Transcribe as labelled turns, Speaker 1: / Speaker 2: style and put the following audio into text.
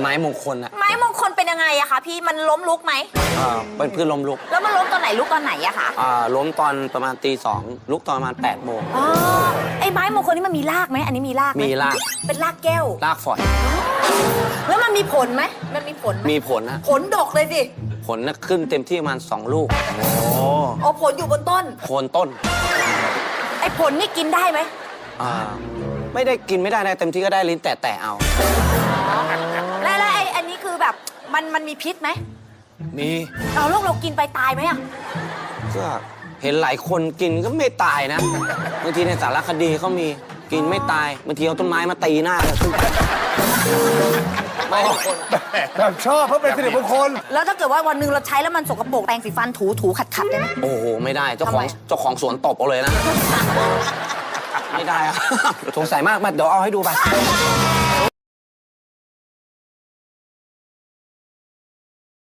Speaker 1: ไม้มงคลอะ
Speaker 2: ไม้มงคลเป็นยังไงอะคะพี่มันล้มลุกไหม
Speaker 1: เป็นพืชล้มลุก
Speaker 2: แล้วมันล้มตอนไหนลุกตอนไหนอะคะ
Speaker 1: ล้มตอนประมาณตี 2ลุกตอนประมาณ8 โมง
Speaker 2: ไอ้ไม้มงคลนี่มันมีรากไหมอันนี้มีราก
Speaker 1: มีราก
Speaker 2: เป็นรากแก้ว
Speaker 1: รากฝอย
Speaker 2: แล้วมันมีผลไหมมันมีผล
Speaker 1: มีผลนะ
Speaker 2: ผลดกเลยสิ
Speaker 1: ผลนะขึ้นเต็มที่ประมาณ2 ลูก
Speaker 2: อ๋อผลอยู่บนต้น
Speaker 1: โคนต้น
Speaker 2: ไอ้ผลนี่กินได้ไหม
Speaker 1: ไม่ได้กินไม่ได้นะเต็มที่ก็ได้ลิ้นแต่เอา
Speaker 2: แล้วไอ้อันนี้คือแบบมันมีพิษไหม
Speaker 1: มี
Speaker 2: เรากินไปตายไหมอะ
Speaker 1: ก็เห็นหลายคนกินก็ไม่ตายนะบางทีในสารคดีเขามีกินไม่ตายบางทีเอาต้นไม้มาตีหน้าเลยไม่
Speaker 3: แบบชอบเพราะเป็นสิริมงคล
Speaker 2: แล้วถ้าเกิดว่าวันหนึ่งเราใช้แล้วมันสกปรกแปรงสีฟันถูขัดได้ไหม
Speaker 1: โอ้โหไม่ได้เจ้าของสวนตบเอาเลยนะไม่ได้อะสงสัยมากมาเดี๋ยวเอาให้ดูไป